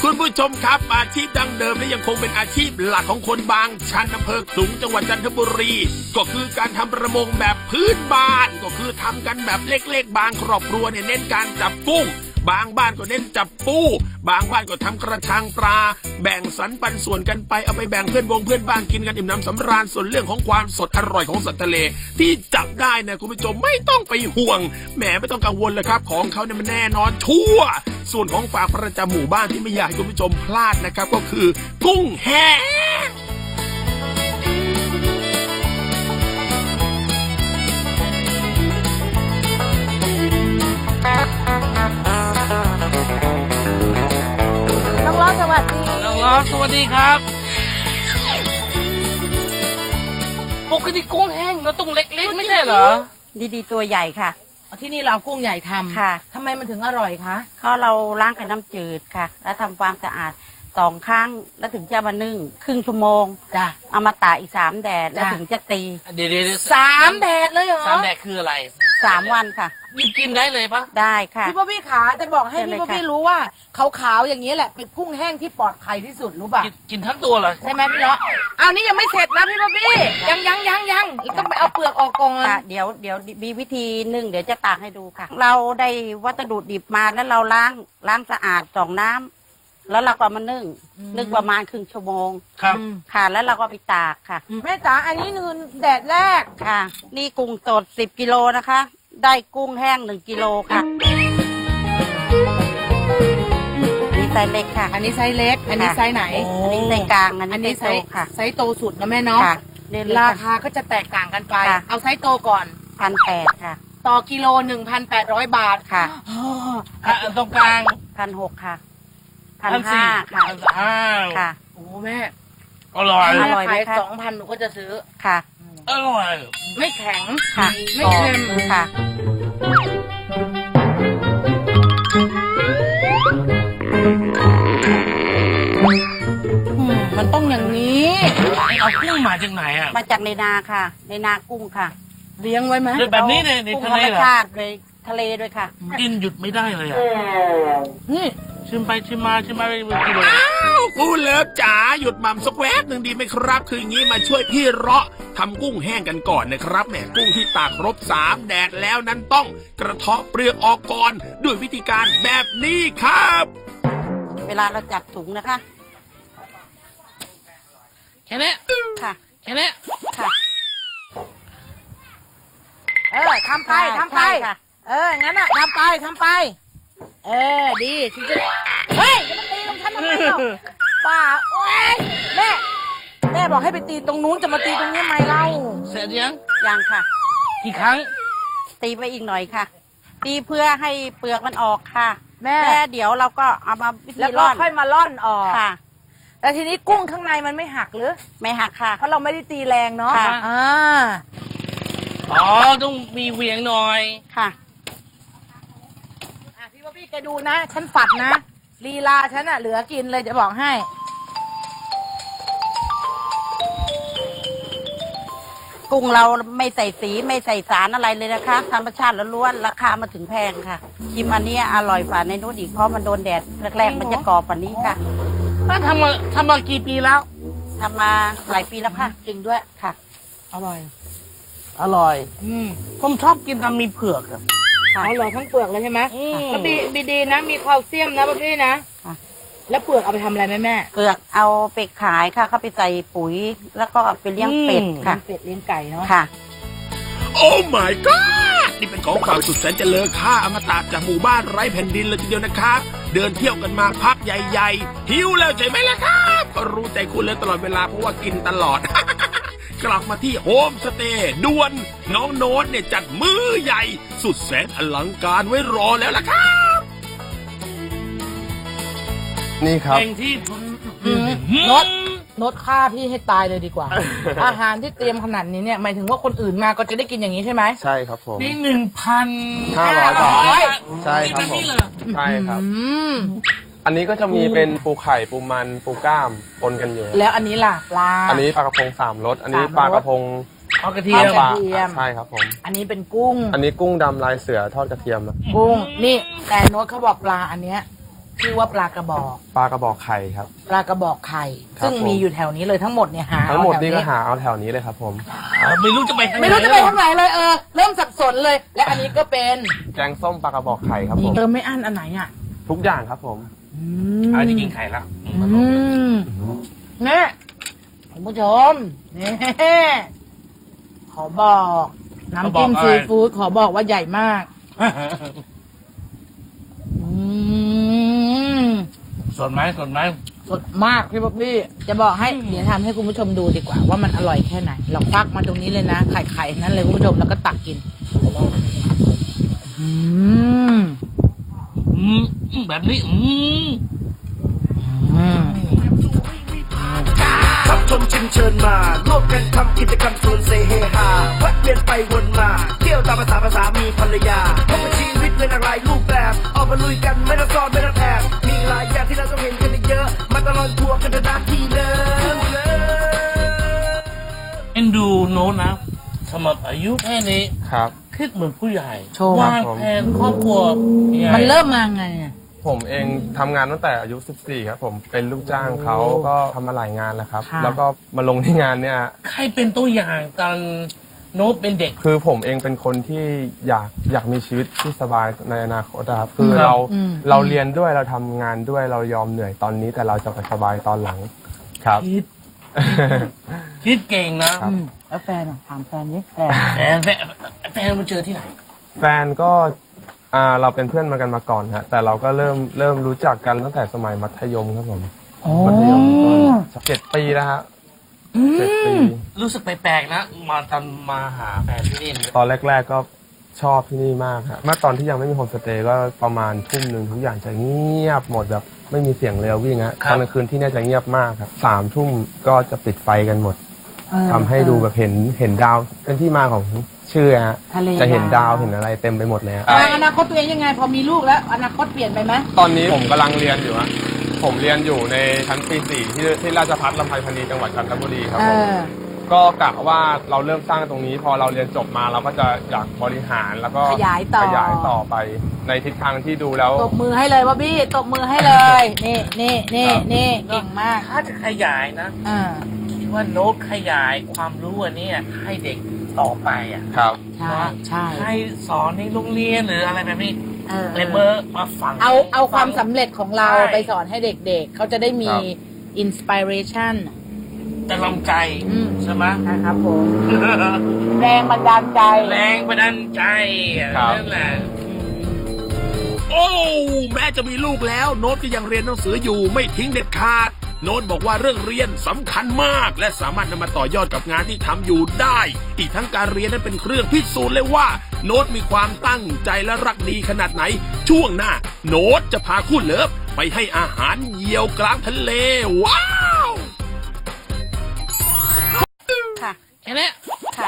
คุณผู้ชมครับอาชีพดั้งเดิมและยังคงเป็นอาชีพหลักของคนบางชันอำเภอขลุงจังหวัดจันทบุรีก็คือการทำประมงแบบพื้นบ้านก็คือทำกันแบบเล็กๆบางครอบครัวเนี่ยเน้นการจับกุ้งบางบ้านก็เน้นจับปูบางบ้านก็ทำกระชังปลาแบ่งสรรปันส่วนกันไปเอาไปแบ่งเพื่อนบ้านกินกันอิ่มน้ำสำราญส่วนเรื่องของความสดอร่อยของสัตว์ทะเลที่จับได้นะคุณผู้ชมไม่ต้องไปห่วงแหมไม่ต้องกังวลเลยครับของเขาเนี่ยมันแน่นอนชัวร์ส่วนของฝากประจำหมู่บ้านที่ไม่อยากให้คุณผู้ชมพลาดนะครับก็คือกุ้งแห้งน้องล้อสวัสดีน้องล้อสวัสดีครับปกติกุ้งแห้งเราต้องเล็กๆไม่ใช่เหรอดีตัวใหญ่ค่ะที่นี่เรากุ้งใหญ่ทำค่ะทำไมมันถึงอร่อยคะเพราะเราล้างกับน้ำจืดค่ะ แล้วทำความสะอาด2 ครั้งแล้วถึงจะมานึ่งครึ่งชั่วโมงจ้ะเอามาตากอีก3 แดดแล้วถึงจะตีเดี๋ยว 3 แดดเลยเหรอสามแดดคืออะไร 3 วันค่ะหยิบกินได้เลยปะได้ค่ะพี่พ่อพี่ขาจะบอกให้เชิญเลยพี่พ่อพี่ค่ะรู้ว่าขาวๆอย่างนี้แหละเป็นกุ้งแห้งที่ปลอดภัยที่สุดรู้ป่ะกินทั้งตัวเหรอใช่ไหมพี่เนาะเอานี่ยังไม่เสร็จนะพี่พ่อพี่ยังต้องไปเอาเปลือกออกก่อนค่ะเดี๋ยวมีวิธีนึ่งเดี๋ยวจะตากให้ดูค่ะ เราได้วัสดุดิบมาแล้วเราล้างสะอาด2 น้ำแล้วเราก็เอามานึ่งประมาณครึ่งชั่วโมงครับค่ะ แล้วเราก็ไปตากค่ะแม่จ๋าอันนี้คือแดดแรกค่ะ นี่กุ้งสด10 กิโลนะคะ ได้กุ้งแห้ง1 กิโลค่ะนี่ไซส์เล็กค่ะอันนี้ไซส์เล็ก อันนี้ไซส์ไหนอันนี้ไซส์กลางอันอันนี้นี้ไซไซส์ส์โตค่ะไซส์โตสุดนะแม่เนาะค่ะเรียนเลยราค่ะคาก็จะแตกต่างกันไปค่ะเอาไซส์โตก่อน 1,800ค่ะต่อกิโล 1,800 บาทค่ะอ๋อตรงกลาง 1,600ค่ะ 1,400 1,500ค่ะ 1,500 ค่ะโอ้แม่อร่อยอร่อยไหมขายคะ 2,000หนูก็จะซื้อค่ะอร่อยไม่แข็งค่ะไม่เค็มค่ะมันต้องอย่างนี้เอากุ้งมาจากไหนอ่ะมาจากในนาค่ะ ในนากุ้งค่ะเลี้ยงไว้ไหมเรื่องแบบนี้ในกุ้งทะธรเลรมเหรอชาติเลยทะเลด้วยค่ะกินหยุดไม่ได้เลยอ่ะนี่ชิมไปชิมมาไปกิโลอ้าวคุณเลิฟจ๋าหยุดหม่ำสักแวบหนึ่งดีไหมครับคืออย่างนี้มาช่วยพี่เราะทำกุ้งแห้งกันก่อนนะครับแหมกุ้งที่ตากครบ3 แดดแล้วนั้นต้องกระเทาะเปลือกออกก่อนด้วยวิธีการแบบนี้ครับเวลาเราจับถุงนะคะแค่นี้ค่ะแค่นี้ค่ะทำไปทำไปใช่ค่ะงั้นอ่ะทำไป ดีฉันจะเฮ้ยจะมาตีตรงฉันทำไมเล่าป้าโอ๊ยแม่บอกให้ไปตีตรงนู้นจะมาตีตรงนี้ทำไมเล่าเสร็จยังยังค่ะกี่ครั้งตีไปอีกหน่อยค่ะ ตีเพื่อให้เปลือกมันออกค่ะแม่แล้วเดี๋ยวเราก็เอามาวิธีแล้วก็ร่อนค่อยมาล่อนออกค่ะแต่ทีนี้กุ้งข้างในมันไม่หักหรือไม่หักค่ะเพราะเราไม่ได้ตีแรงเนาะค่ะอ๋อต้องมีเหวียงหน่อยค่ะพี่ว่าพี่แกดูนะ ฉันฝัดนะลีลาฉันอะเหลือกินเลยจะบอกให้กุ้งเราไม่ใส่สีไม่ใส่สารอะไรเลยนะคะ ธรรมชาติล้วนๆราคามาถึงแพงค่ะชิมอันนี้อร่อยกว่าในนู้นอีกเพราะมันโดนแดดแรกๆมันจะกรอบกว่านี้ค่ะแล้วทำมากี่ปีแล้วทำมาหลายปีแล้วค่ะจริงด้วยค่ะอร่อยอร่อยผมชอบกินทำมีเผือกอะค่ะอร่อยทั้งเปลือกเลยใช่ไหมอืมแล้วดีนะมีแคลเซียมนะพี่นะค่ะแล้วเปลือกเอาไปทำอะไรแม่เปลือกเอาไปขายค่ะ เข้าไปใส่ปุ๋ย แล้วก็ไปเลี้ยงเป็ดค่ะค่ะเป็ดเลี้ยงไก่เนาะค่ะโอ้ my god นี่เป็นของฝากสุดแสนจะเลอค่าอมตะจากหมู่บ้านไร้แผ่นดินเลยทีเดียวนะครับ เดินเที่ยวกันมาพักใหญ่ๆหิวแล้วใช่ไหมล่ะครับก็รู้ใจคุณเลยตลอดเวลาเพราะว่ากินตลอด กลับมาที่โฮมสเตย์ด่วนน้องโน้ตเนี่ยจัดมื้อใหญ่ สุดแสนอลังการไว้รอแล้วล่ะครับนี่ครับเพลงที่นดฆ่าพี่ให้ตายเลยดีกว่า อาหารที่เตรียมขนาดนี้เนี่ยหมายถึงว่าคนอื่นมาก็จะได้กินอย่างนี้ใช่ไหมใช่ครับผมนี่ 500 บาท 1,500 ใช่ครับผมนี่เลยใช่ครับมอันนี้ก็จะมีเป็นปูไข่ปูมันปูกล้ามปนกันอยู่แล้วอันนี้ล่ะปลาอันนี้ปลากระพง3 รสอันนี้ 3 รสปลากระพงเอากระเทียมปลาเทียมใช่ครับผมอันนี้เป็นกุ้งอันนี้กุ้งดำลายเสือทอดกระเทียมกุ้งนี่แต่โน้ตเขาบอกปลาอันเนี้ยชื่อว่าปลากระบอกปลากระบอกไข่ครับปลากระบอกไข่ครับซึ่งมีผมอยู่แถวนี้เลยทั้งหมดเนี่ยหาทั้งหมดเอาแถวนี่ก็หาเอาแถวนี้เลยครับผมไม่รู้จะไปทางไหนไม่รู้จะไปทางไหนเลยเริ่มสับสนเลย และอันนี้ก็เป็นแกงส้มปลากระบอกไข่ครับผมเติมไม่อั้นอันไหนอ่ะทุกอย่างครับผมอาจจะกินไข่ละแม่คุณผู้ชมนี่ขอบอกน้ำจิ้มซีฟู้ดขอบอกว่าใหญ่มากอืมสดไหมสดไหมสดมากพี่บ๊อบบี้จะบอกให้เดี๋ยวทำให้คุณผู้ชมดูดีกว่าว่ามันอร่อยแค่ไหน เราควักมาตรงนี้เลยนะไข่นั้นเลยคุณผู้ชมแล้วก็ตักกินอืมแบบนี้อืมขับชมชิมเชิญมาร่วมกันทำกิจกรรมชวนเซเฮฮาวัดเวียนไปวนมา เที่ยวตามภาษามีภรรยาพบกับชีวิตในหลากหลายรูปแบบ ออกมาลุยกันไม่ต้องซ้อนไม่ต้องแอบมีหลายอย่างที่เราต้องเห็นกันเยอะ มาตลอดทัวร์กันนะที่เดิมเลยเอ็นดูโน้ตนะสำหรับอายุแค่นี้ครับคิดเหมือนผู้ใหญ่โชว์วางแผนครอบครัวยังไงมันเริ่มมาไงอะผมเองทำงานตั้งแต่อายุ 14 ครับผมเป็นลูกจ้างเขาก็ทำมาหลายงานแล้วครับค่ะแล้วก็มาลงที่งานเนี่ยใครเป็นตัวอย่างตอนโน้ตเป็นเด็กคือผมเองเป็นคนที่อยากมีชีวิตที่สบายในอนาคตนะครับคือครับเราเรียนด้วยเราทำงานด้วยเรายอมเหนื่อยตอนนี้แต่เราจะไปสบายตอนหลังครับคิดเก่งนะครับแล้วแฟนอะถามแฟนดิแฟนแฟนมาเจอที่ไหนแฟนก็เราเป็นเพื่อนมากันมาก่อนฮะแต่เราก็เริ่มรู้จักกันตั้งแต่สมัยมัธยมครับผมมัธยมต้น7 ปีแล้วฮะ7 ปีรู้สึกแปลกๆนะมาตอนมาหาแฟนที่นี่ตอนแรก ๆก็ชอบที่นี่มากครับเมื่อตอนที่ยังไม่มีโฮมสเตย์ก็ประมาณทุ่มหนึ่งทุกอย่างจะเงียบหมดแบบไม่มีเสียงเรือวิ่งฮะตอนกลางคืนที่นี่จะเงียบมากครับ3 ทุ่มก็จะปิดไฟกันหมดทำให้ดูแบบเห็นดาวเป็นที่มาของชื่อฮะทะเลจะเห็นดาวเห็นอะไรเต็มไปหมดเลยฮะอนาคตตัวเองยังไง พอมีลูกแล้ว อนาคตเปลี่ยนไปไหมตอนนี้ผมกำลังเรียนอยู่ฮะผมเรียนอยู่ในชั้นปี 4ที่ราชภัฏลำไพพรรณีจังหวัดจันทบุรีครับผมก็กะว่าเราเริ่มสร้างตรงนี้ พอเราเรียนจบมาเราก็จะอยากบริหารแล้วก็ขยายต่อไปในทิศทางที่ดูแล้วตบมือให้เลยบ๊อบบี้ตบมือให้เลยนี่เก่งมากถ้าจะขยายนะอ่าคิดว่าโน้ตขยายความรู้อันเนี้ยให้เด็กต่อไปอ่ะครับใช่ให้สอนในโรงเรียนหรืออะไรแบบนี้เออเลเบอร์มาฝังเอาความสำเร็จของเราใช่ไปสอนให้เด็กๆ เขาจะได้มีครับอินสปิเรชันจะลำใจ ใช่ไหมนะครับผม แรงบันดาลใจแรงบันดาลใจครับนั่นแหละโอ้แม้จะมีลูกแล้วโน้ตก็ยังเรียนหนังสืออยู่ไม่ทิ้งเด็ดขาด โน้ตบอกว่าเรื่องเรียนสำคัญมาก และสามารถนำมาต่อยอดกับงานที่ทำอยู่ได้ อีกทั้งการเรียนนั้นเป็นเครื่องพิสูจน์เลยว่า โน้ตมีความตั้งใจและรักดีขนาดไหน ช่วงหน้า โน้ตจะพาคู่เลิฟไปให้อาหารเหยี่ยวกลางทะเล ว้าวค่ะแค่นี้ค่ะ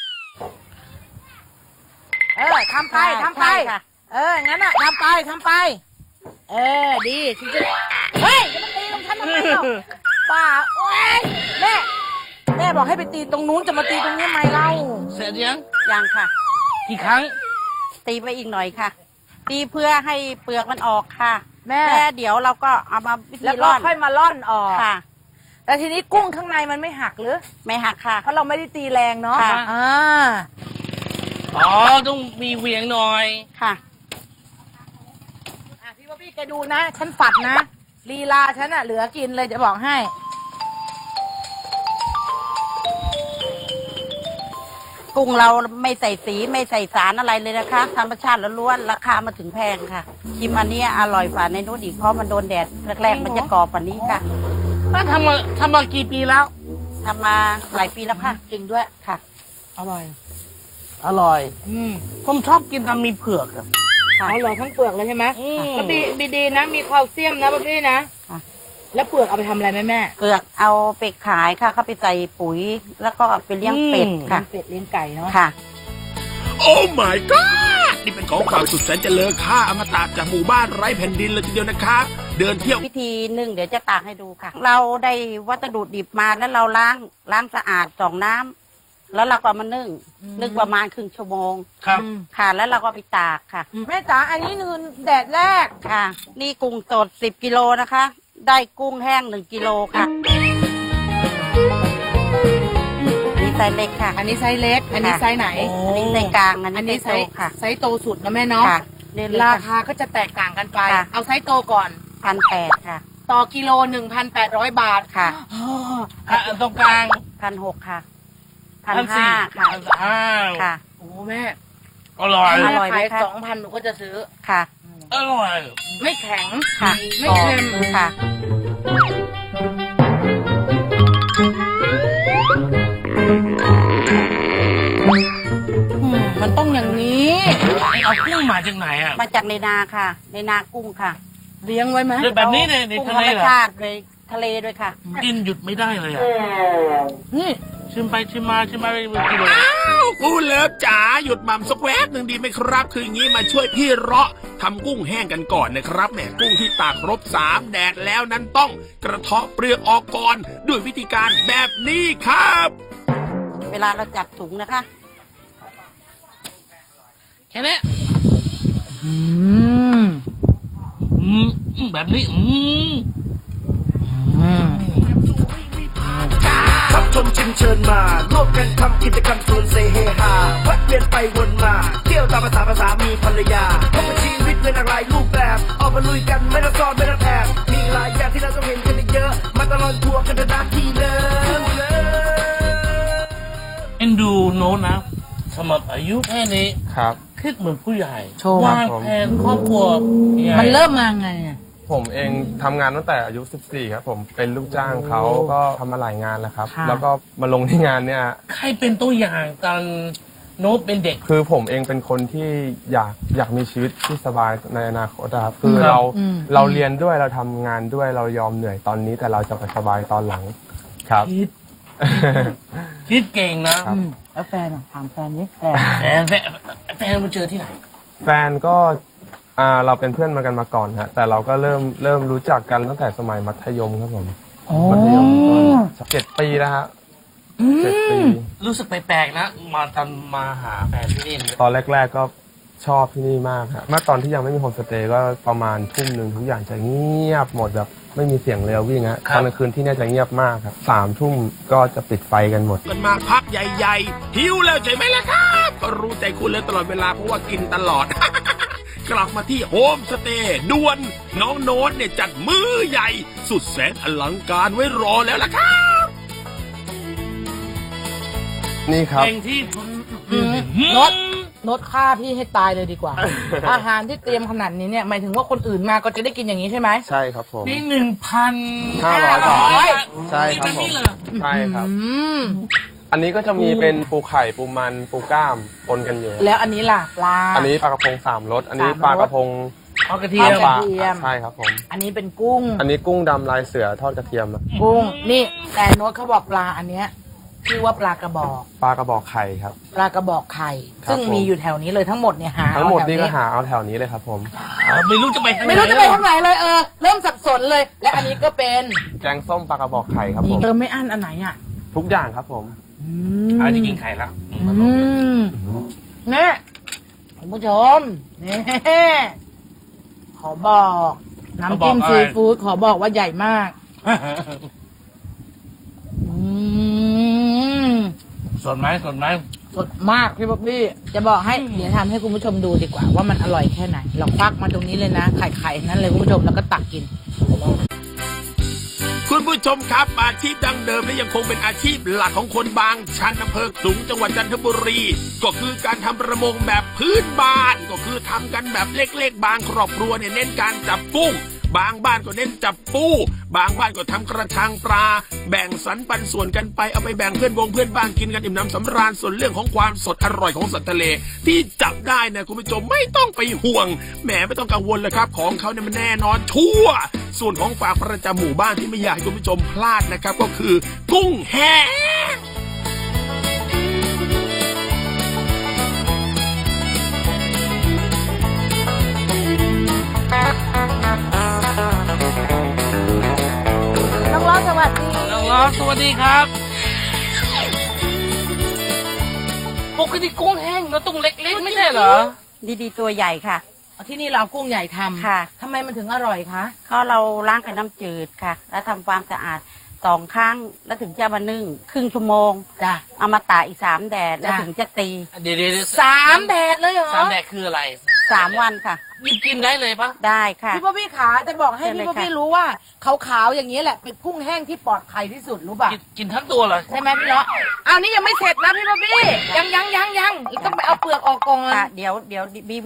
ทำไปทำไปใช่ค่ะงั้นอ่ะทำไป ดีฉันจะเฮ้ยจะมาตีตรงฉันทำไมเล่าป้าโอ๊ยแม่บอกให้ไปตีตรงนู้นจะมาตีตรงนี้ทำไมเล่าเสร็จยังยังค่ะกี่ครั้งตีไปอีกหน่อยค่ะ ตีเพื่อให้เปลือกมันออกค่ะแม่แล้วเดี๋ยวเราก็เอามาวิธีแล้วก็ร่อนค่อยมาล่อนออกค่ะแต่ทีนี้กุ้งข้างในมันไม่หักหรือไม่หักค่ะเพราะเราไม่ได้ตีแรงเนาะค่ะอ๋อ ต้องมีเหวียงหน่อยค่ะพี่บ๊อบบี้แกดูนะ ฉันฝัดนะลีลาฉันอะเหลือกินเลยจะบอกให้กุ้งเราไม่ใส่สีไม่ใส่สารอะไรเลยนะคะ ธรรมชาติล้วนๆราคามาถึงแพงค่ะชิมอันเนี้ยอร่อยกว่าในนู้นอีกเพราะมันโดนแดดแรกๆมันจะกรอบกว่านี้ค่ะถ้าทำมากี่ปีแล้วทำมาหลายปีแล้วค่ะจริงด้วยค่ะอร่อย อร่อย ผมชอบกินทำมีเผือกอะค่ะเอาเหรอทั้งเปลือกเลยใช่ไหมอืมก็ดีนะ มีแคลเซียมนะบ๊อบบี้นะค่ะแล้วเปลือกเอาไปทำอะไรแม่เปลือกเอาไปขายค่ะ เข้าไปใส่ปุ๋ย แล้วก็ไปเลี้ยงเป็ดค่ะเป็ดเลี้ยงไก่เนาะค่ะโอ้ my god นี่เป็นของฝากสุดแสนจะเลอค่าอมตะจากหมู่บ้านไร้แผ่นดินเลยทีเดียวนะครับ เดินเที่ยววิธีหนึ่งเดี๋ยวจะตากให้ดูค่ะ เราได้วัสดุดิบมาแล้วเราล้างสะอาด2 น้ำแล้วเราก็เอามานึ่งประมาณครึ่งชั่วโมงครับค่ะ แล้วเราก็ไปตากค่ะแม่จ๋าอันนี้คือแดดแรกค่ะ นี่กุ้งสด10 กิโลนะคะ ได้กุ้งแห้ง1 กิโลค่ะนี่ไซส์เล็กค่ะอันนี้ไซส์เล็ก อันนี้ไซส์ไหนอันนี้ไซส์กลางอันนี้ไซโตส์ค่ะไซส์โตสุดนะแม่เนาะค่ะนี่เลยราค่ะคาก็จะแตกต่างกันไปค่ะเอาไซส์โตก่อน 1,800ค่ะต่อกิโล 1,800 บาทค่ะอ๋อตรงกลาง 1,600ค่ะ 1,400 1,500ค่ะอ้าวค่ะโอ้แม่อร่อยอร่อยไหมขายคะ 2,000หนูก็จะซื้อค่ะอร่อยไม่แข็งค่ะไม่เค็มค่ะมันต้องอย่างนี้เอากุ้งมาจากไหนอ่ะมาจากในนาค่ะ ในนากุ้งค่ะเลี้ยงไว้ไหมแบบนี้ในกุ้งทะธรเลรมเหรอชาติเลยทะเลด้วยค่ะกินหยุดไม่ได้เลยอ่ะนี่ชิมไปชิมมาชิมมาไปกิโลอ้าวคุณเลิฟจ๋าหยุดหม่ำสักแวบหนึ่งดีไหมครับ คืออย่างนี้มาช่วยพี่เราะทำกุ้งแห้งกันก่อนนะครับแหมกุ้งที่ตากครบ3 แดดแล้วนั้นต้องกระเทาะเปลือกออกก่อนด้วยวิธีการแบบนี้ครับเวลาเราจับถุงนะคะแค่นี้อืมแบบนี้ครับชมชิมเชิญมาร่วมกันทำกิจกรรมชวนเซเฮฮาแวะเวียนไปวนมา เที่ยวตามภาษามีภรรยาพบกับชีวิตในหลากหลายรูปแบบออกมาลุยกันไม่ต้องซ่อนไม่ต้องแอบมีหลายอย่างที่เราต้องเห็นกันเยอะมาตลอดทัวร์กันนะที่เดิมเลยเอ็นดูโน้ตนะสำหรับอายุแค่นี้ครับคิดเหมือนผู้ใหญ่โชว์วางแผนครอบครัวยังไงมันเริ่มมาไงอะผมเองทำงานตั้งแต่อายุ 14 ครับผมเป็นลูกจ้างเขาก็ทำมาหลายงานแล้วครับค่ะแล้วก็มาลงที่งานเนี่ยใครเป็นตัวอย่างตอนโน้ตเป็นเด็กคือผมเองเป็นคนที่อยากมีชีวิตที่สบายในอนาคตครับคือครับเราเรียนด้วยเราทำงานด้วยเรายอมเหนื่อยตอนนี้แต่เราจะไปสบายตอนหลังครับคิดเก่งนะครับแล้วแฟนอะถามแฟนดิแฟนแฟนมาเจอที่ไหนแฟนก็เราเป็นเพื่อนมากันมาก่อนฮะแต่เราก็เริ่มรู้จักกันตั้งแต่สมัยมัธยมครับผมมัธยมต้น7 ปีแล้วฮะ7 ปีรู้สึกแปลกๆนะ มาหาแฟนที่นี่ตอนแรกๆก็ชอบที่นี่มากครับเมื่อตอนที่ยังไม่มีโฮมสเตย์ก็ประมาณทุ่มหนึ่งทุกอย่างจะเงียบหมดแบบไม่มีเสียงเรือวิ่งฮะตอนกลางคืนที่นี่จะเงียบมากครับ3 ทุ่มก็จะปิดไฟกันหมดกันมาพักใหญ่ๆหิวแล้วใช่ไหมล่ะครับก็รู้ใจคุณเลยตลอดเวลาเพราะว่ากินตลอด กลับมาที่โฮมสเตย์ด่วนน้องโน้ตเนี่ยจัดมื้อใหญ่ สุดแสนอลังการไว้รอแล้วล่ะครับนี่ครับเพลงที่โน้ตฆ่าพี่ให้ตายเลยดีกว่า อาหารที่เตรียมขนาดนี้เนี่ยหมายถึงว่าคนอื่นมาก็จะได้กินอย่างนี้ใช่ไหมใช่ครับผมนี่ 500 บาท ใช่ครับผมใช่ครับอืมอันนี้ก็จะมีเป็นปูไข่ปูมันปูกล้ามปนกันอยู่แล้วอันนี้ล่ะปลาอันนี้ปลากระพง3 รสอันนี้ 3 ปลากระพงเอากระเทียมปลาเทียมใช่ครับผมอันนี้เป็นกุ้งอันนี้กุ้งดำลายเสือทอดกระเทียมอะกุ้งนี่แต่โน้ตเขาบอกปลาอันเนี้ยชื่อว่าปลากระบอกปลากระบอกไข่ครับปลากระบอกไข่ครับซึ่งผมมีอยู่แถวนี้เลยทั้งหมดเนี่ยหาทั้งหมดเอาแถวนี่ก็หาเอาแถวนี้เลยครับผมไม่รู้จะไปทางไหนไม่รู้จะไปทางไหนเลยเริ่มสับสนเลย และอันนี้ก็เป็นแกงส้มปลากระบอกไข่ครับผมเติมไม่อั้นอันไหนอ่ะทุกอย่างครับผมอาจจะกินไข่แล้วเนี่ยคุณผู้ชมนี่ขอบอกน้ำจิ้มซีฟู้ดขอบอกว่าใหญ่มากสดไหมสดมากพี่บ๊อบบี้จะบอกให้เดี๋ยวทำให้คุณผู้ชมดูดีกว่าว่ามันอร่อยแค่ไหนเราควักมาตรงนี้เลยนะไข่นั้นเลยคุณผู้ชมแล้วก็ตักกินคุณผู้ชมครับอาชีพดั้งเดิมและยังคงเป็นอาชีพหลักของคนบางชันอำเภอขลุงจังหวัดจันทบุรี ก็คือการทำประมงแบบพื้นบ้านก็คือทำกันแบบเล็กๆบางครอบครัวเนี่ยเน้นการจับกุ้งบางบ้านก็เน้นจับปูบางบ้านก็ทำกระชังปลาแบ่งสรรปันส่วนกันไปเอาไปแบ่งเพื่อนบ้านกินกันอิ่มน้ำสำราญส่วนเรื่องของความสดอร่อยของสัตว์ทะเล ที่จับได้นะคุณผู้ชมไม่ต้องไปห่วงแหมไม่ต้องกังวลเลยครับของเขาเนี่ยมันแน่นอนชัวร์ส่วนของฝากประจำหมู่บ้านที่ไม่อยากให้คุณผู้ชมพลาดนะครับก็คือกุ้งแห้งน้องล้อสวัสดีน้องล้อสวัสดีครับปกติกุ้งแห้งเราต้องเล็กๆไม่ใช่เหรอดีๆตัวใหญ่ค่ะที่นี่เราเอากุ้งใหญ่ทำค่ะทำไมมันถึงอร่อยคะเพราะเราล้างกับน้ำจืดค่ะ แล้วทำความสะอาด2 ครั้งแล้วถึงจะมานึ่งครึ่งชั่วโมงจ้ะเอามาตากอีก3 แดดแล้วจ้ะถึงจะตีเดี๋ยว 3 แดดเลยเหรอสามแดดคืออะไร 3 วันค่ะกินได้เลยปะได้ค่ะพี่ป๊อบบี้ขาจะบอกให้เชิญเลยพี่ป๊อบบี้ค่ะรู้ว่าขาวๆอย่างนี้แหละเป็นกุ้งแห้งที่ปลอดภัยที่สุดรู้ป่ะกินทั้งตัวเหรอใช่ไหมพี่เลาะอ้าวนี่ยังไม่เสร็จนะพี่ป๊อบบี้ยังต้องไปเอาเปลือกออกก่อนค่ะเดี๋ยวบี